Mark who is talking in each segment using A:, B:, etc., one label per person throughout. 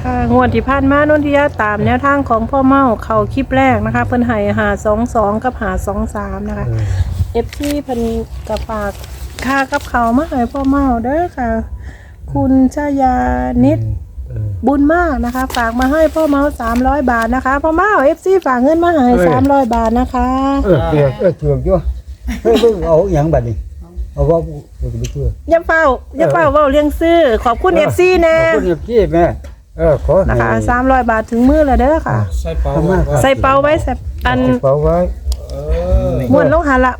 A: ค่ะงวดที่ผ่านมานนทิยาตามแนวทางของพ่อเมาเข้าคลิปแรกนะคะเพิ่นให้522กับ523นะคะFC เพิ่นก็ฝากค่ากับเขาวมาให้พ่อเมาเด้อค่ะ คุณชยานิดบุญมากนะคะฝากมาให้พ่อเมา300 บาทนะคะพ่อเมา FC ฝากเงินมาให้300 บาทนะคะ
B: เถือกอยู่เฮ้ยเอาอย่างบัดนี้เอาว่าไปเชื่อ
A: อย่าเฝ้าเว้าเลี้ยงซื้อขอบคุณ FC แน่
B: ขอบคุณ FC แม่ขอ
A: นะคะ300 บาทถึงมือแล้วเด้อค่ะ
C: ใส่เปา
A: ใส่เปาไว้อัน
B: เปาไว้
A: ม้วนลงหันละ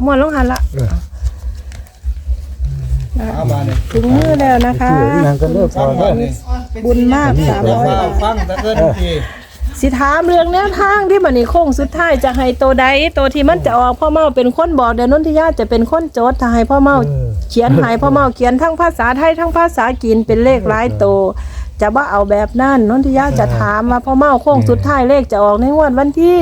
A: ถึงมือแล้วนะคะบุญมาก300 บาท
C: ฟังตะเกินที
A: สิถามเรื่องแนวทางที่มันนี่โค้งสุดท้ายจะให้ตัวใดตัวที่มันจะออกพ่อเมาเป็นคนบอกเดี๋ยวนนทิยาจะเป็นคนโจทย์ถ้าให้พ่อเมาเขียนให้พ่อเมาเขียนทั้งภาษาไทยทั้งภาษาจีนเป็นเลขหลายตัวจะว่าเอาแบบนั้นนนทิยาจะถามว่าพ่อเมาโค้งสุดท้ายเลขจะออกในงวดวันที่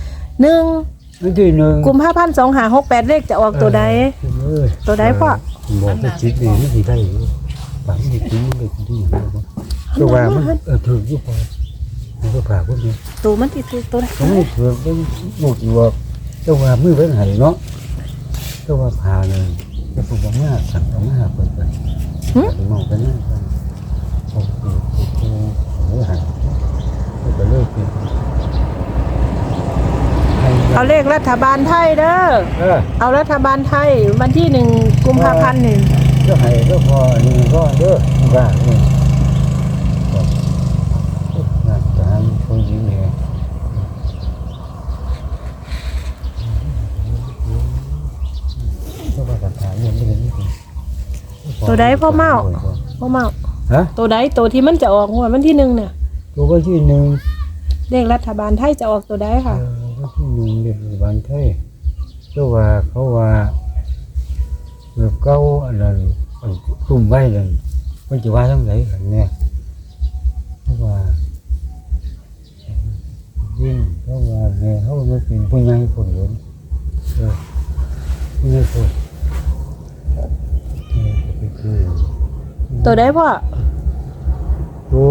A: 1กุมภาพันธ์2568เลขจะออกตัวใดพ่อ
B: บอกไปคิดดีไม่ได้ปากไม่คิดไม่ดีตัวว่ามันถืออยู่พอมันก็ผ่าพวกนี้
A: ตัวมันติดตัวไหน
B: ไม่ถือเป็นหมดอยู่ตัวว่ามือเป็นไหเนาะตัวว่าผ่าเลยแล้วผมว่าสั่งเอามาเปิดไปมองไปนั่นกันโอ้โหหายก็เลยเป็น
A: เอาเลขรัฐบาลไทยเด้อเอารัฐบาลไทยวันที่1กุมภาพันธ์นี่
B: ก็ให้ก็พอนี่ก็เด้อว่านี่งานการคนยิ้มเนี่ยก็ว่าการถ่ายเงินไม่เห็นนี่
A: ตัวใดพ่อเมา
B: ฮะ
A: ตัวใดตัวที่มันจะออกวันที่1เนี่ย
B: ตัววันที่1
A: เลขรัฐบาลไทยจะออกตัวใดค่ะ
B: วันที่1เลขรัฐบาลไทยก็ว่าเขาว่าเก้าอันนั้นตุ่มไว้เลยมันจะว่าทั้งไหนกันเนี่ยเพราะว่ายิ่งเพราะว่าเนี่ยเขาไม่เป็นผู้ใหญ่คนหลวงผู้ใหญ่คน
A: ตัวได้พ่อ
B: ตัว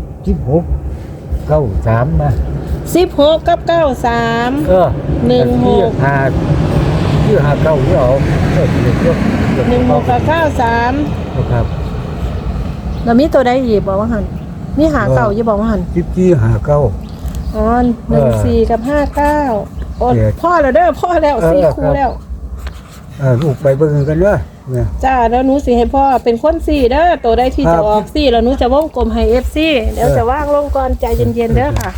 B: 16 93มา
A: 16กับ93 16
B: 5 นี่เอา
A: 16กับ93
B: ครับ
A: แล้วมีตัวใดอีกบอกว่าหันมีหาเก่าอย่าบอกว่าหัน
B: 19
A: อ๋อ14กับ59โอ้พ่อแล้วเด้อพ่อแล้ว4คู่แล้ว
B: ลูกไปเบิ่งกันเด้อ
A: จ้าแล้วหนูสิให้พ่อเป็นคน4เด้อตัวใดที่จะออก4แล้วหนูจะวงกลมให้ FC เดี๋ยวจะว่างลงก่อนใจเย็นๆเด้อค่ะ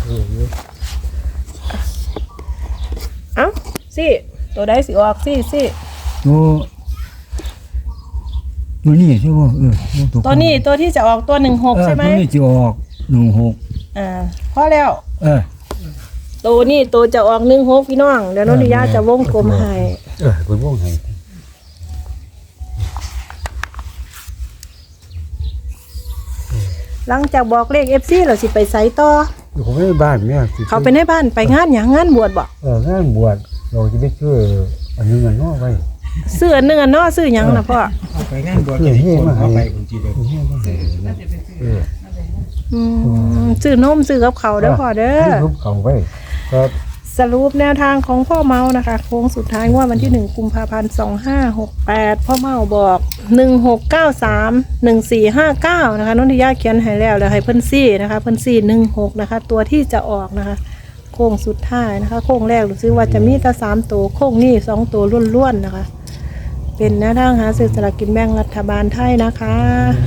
A: เอ้าตัวใดสิออก
B: ตัวนี้ใช่ป่ะ
A: ตัวนี้ตัวที่จะออกตัว16ใช่ไหม
B: ตัวนี้จะออก16
A: พอแล้วตัวนี้ตัวจะออก16พี่น้องเดี๋ยวนนทิยาจะวงกลมให้
B: เป็นวงให้
A: หลังจากบอกเลข FC เราสิไปไสต่อ
B: เขาไปบ้านเนี่ย
A: เขาไปในบ้านไปงานหยังงานบวชบ่
B: งานบวชเราจะไปช่วยอันนึงอันนอกไว้
A: เสื้อนึงอันนอกซื้อหยังนะพ่อ
C: ไปงานบวชที่มาไปคนจีนเลย
A: ซื้อนมซื้อกับเขาเด้อพ่อเด้อ
B: ซื้อเขาไว้ครับ
A: สรุปแนวทางของพ่อเมานะคะโค้งสุดท้ายงวดวันที่1กุมภาพันธ์2568พ่อเมาบอก1693 1459นะคะนนทิยาเขียนให้แล้วให้เพิ่นซี่นะคะเพิ่นซี่16นะคะตัวที่จะออกนะคะโค้งสุดท้ายนะคะโค้งแรกรู้สึกว่าจะมีแต่3ตัวโค้งนี้2ตัวล้วนๆนะคะเป็นแนวทางหาซื้อสลากกินแบ่งรัฐบาลไทยนะคะ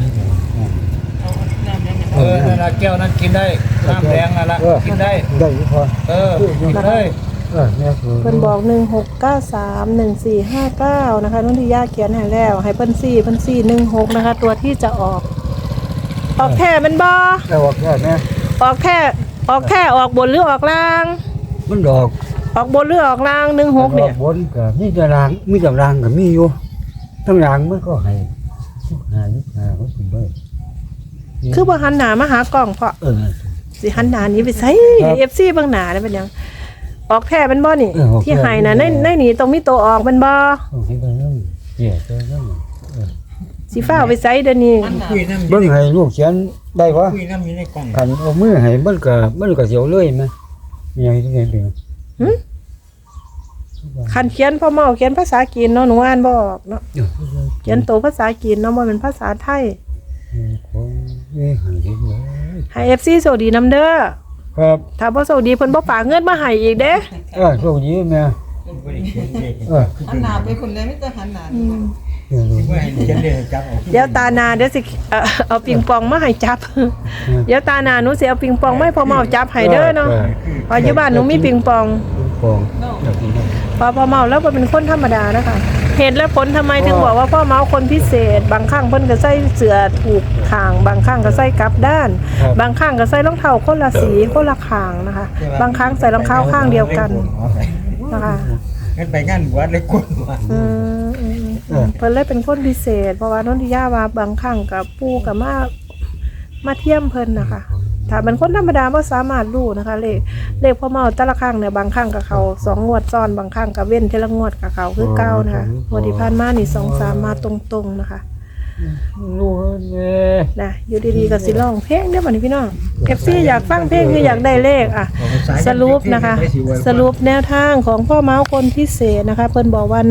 C: แก้วนั้นกินได้น้ำแดงนั่นละกินได้
B: พอ
C: กินได้
A: เพิ่นบอก1693 1459นะคะนนทิยาเขียนให้แล้วให้เพิ่นซี่16นะคะตัวที่จะออกแค่มันบ่
B: ออกแค่แม่
A: ออกแค่ออกบนหรือออกล่าง
B: มันอ
A: อกบนหรือออกล่าง16เนี่ย
B: บนก็มีแต่ล่างก็มีอยู่ทั้งล่างมันก็ให้25ก็ถึงได้
A: คือบ่หันหน้ามาหากล้องเพราะสิหันหน้านี้ไปใส่ FC เบิ่งหน้าได้เป็นหยังออกแท้มันบ่นี่ที่ให้น่ะในนี่ต้องมีตัวออกมันบ่
B: ให้ได้นำเกี่ยตัวนั้น
A: สิฟ้าเอาไปใส่เดี๋ยวนี้
C: คุยน้ำ
B: เบิ่งให้ลูกเขียนได้บ่
C: คุยน้ำอยู่ในกล่อง
B: คันเอามือให้มันก็เสียวเลยแม่มีอะไรที่เป็น
A: หึคันเขียนพ่อเมาเขียนภาษาจีนเนาะหนูอ่านบ่ออกเนาะเขียนตัวภาษาจีนเนาะบ่เป็นภาษาไทย
B: ของนี่หันเห็นเลย
A: ให้ FC โชคดีนํเด้อ
B: ครับ
A: ถ้าบ่โชคดีเพิ่นบ่ฝากเงินมาให้อีกเด้
B: โชคดีแม่
C: บ่ได้เขียนเลข
D: หันหน้าไปคนเลยไม่ต้องหันหน้าดีกว่า
C: บ่ให้เขียนเลขจับเอา
A: เดี๋ยวตาหนาเดี๋ยวสิเอาปิงปองมาให้จับ เดี๋ยวตาหนาหนูสิเอาปิงปองมาให้พ่อเมาจับให้เด้อเนาะเพราะอยู่บ้านหนูมีปิงปอง
B: ฟองอยากกิน
A: พอพ่อเมาแล้วก็เป็นคนธรรมดานะคะเหตุและผลทำไมถึงบอกว่าพ่อเมาคนพิเศษ บางครั้งเพิ่นก็ใส่เสื้อถูกข้าง บางครั้งก็ใส่กลับด้าน บางครั้งก็ใส่รองเท้าคนละสีคนละข้างนะคะ บางครั้งใส่รองเท้าข้างเดียวกันนะคะ
C: งั้นไปงานบวชเลยกวนว่า
A: เพิ่นเลยเป็นคนพิเศษ เพราะว่านนทิยาว่าบางครั้งกับปู่กับมาเทียมเพิ่นนะคะถ้าเป็นคนธรรมดาบ่สามารถรู้นะคะเลขพ่อเมาแต่ละครั้งเนี่ยบางครั้งกับเขา2งวดซ้อนบางครั้งกับเว้นเทละงวดกับเขาคือเก่านะคะงวดที่ผ่านมานี่2 3มาตรงๆนะคะ
B: รู้แน่
A: นะอยู่ดีๆก็สิร้องเพลงเด้อบัดนี้พี่น้อง FC อยากฟังเพลงคืออยากได้เลขอ่ะสรุปนะคะ สรุปแนวทางของพ่อเมาคนพิเศษนะคะเพิ่นบอกว่า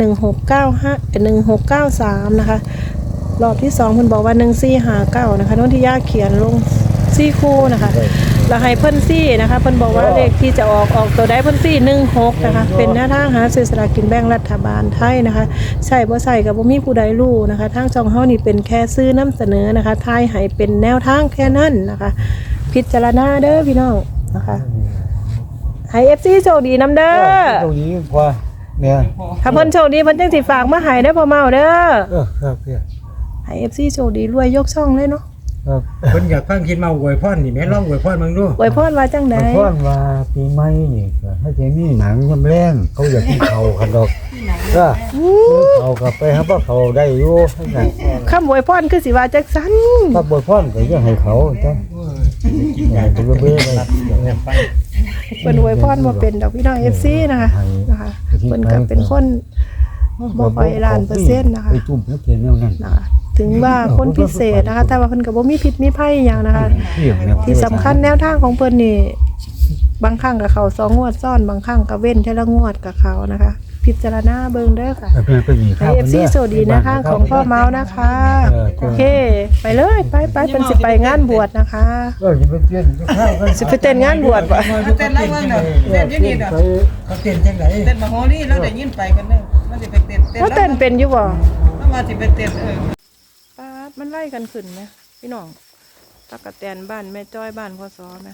A: 1693นะคะรอบที่2เพิ่นบอกว่า1459นะคะนนทิยาเขียนลง4คู่นะคะแล้วให้เพิ่นซี่นะคะเพิ่นบอกว่าเลขที่จะออกตัวใดเพิ่นซี่16นะคะเป็นแนวทางหาซื้อสลากกินแบ่งรัฐบาลไทยนะคะใช่บ่ใช่ก็บ่มีผู้ใดรู้นะคะทางช่องเฮานี่เป็นแค่ซื้อนำเสนอนะคะทายให้เป็นแนวทางแค่นั้นนะคะ พิจารณาเด้อพี่น้องนะคะให้ FC โชคดีนำเด้อ
B: โชคดีพอแม่
A: ถ้าเพิ่นโชคดีเพิ่นจังสิฝากมาให้ได้อพ่อเมาเด้อ
B: ครับพี่
A: ให้ FC โชคดีรวยยกช่องเลยเนาะ
B: ครับ
C: เพิ่นอยากฟังคิดมาอวยพรนี่แม่ลองอวยพรมึงดู
A: อวยพรว่าจังได๋
B: มันพ่อนว่าปีใหม่นี่ก็ให้เจมี่หนังยำแรงเขาอยากกินเขาคันดอกก็เขากลับไปครับว่าเขาได้อยู่ให้กัน
A: คำอวยพรคือสิว่าจังซั่น
B: ถ้าบ่พ่อนก็ยังให้เขาจ้ะ
C: กินยา
B: ตัวเบ้ไป
A: เพิ่นอวยพรบ่เป็นดอกพี่น้อง FC นะคะเพิ่นก็เป็นคนบ่ค่อยล้านเปอร์เซ็นต์นะคะ
B: ไปตุ่มแล้วเทียนแนวนั้น
A: นะคะถึงว่าคนพิเศษนะคะแต่ว่าเพิ่นก็บ่มีพิษมีภัยหยังนะคะ ที่สำคัญแนวทางของเพิ่นนี่บางครั้งกับเขา2งวดซ้อนบางครั้งก็เว้นเทละงวดกับเขานะคะ พิจารณาเบิ่งเด้อค่ะ
B: เพื่อนไปมี
A: ให้ FC สวัสดีนะคะของพ่อเมาส์นะคะโอเค ไปเลยไปเพิ่นสิไปงานบวชนะคะ
B: จะไปเปลี่ยนข้าวกัน
A: สิไปเต้นงานบวชบ่
D: เต้นไรเมืองเด้อเต้นอยู่นี่เด้อ
C: เขาเต้นจังได๋
D: เต้นมาโฮลี่แล้วได้ยินไปกันเด้อมันสิไปเต้น
A: ว่าเต้นเป็นอยู่บ่
D: แล้วมาสิไปเต้น
A: ป๊าดมันไล่กันขึ้นไหมพี่น้องตักกะแตนบ้านแม่จ้อยบ้านพ่อซอแม่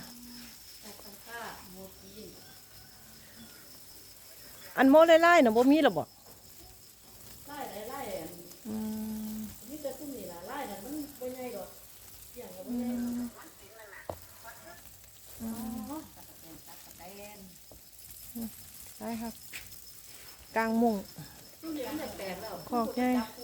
A: อันโมไล่ๆน่ะบ่มีหรอบ่ได้ครับกลางมุ้งขอกใหญ่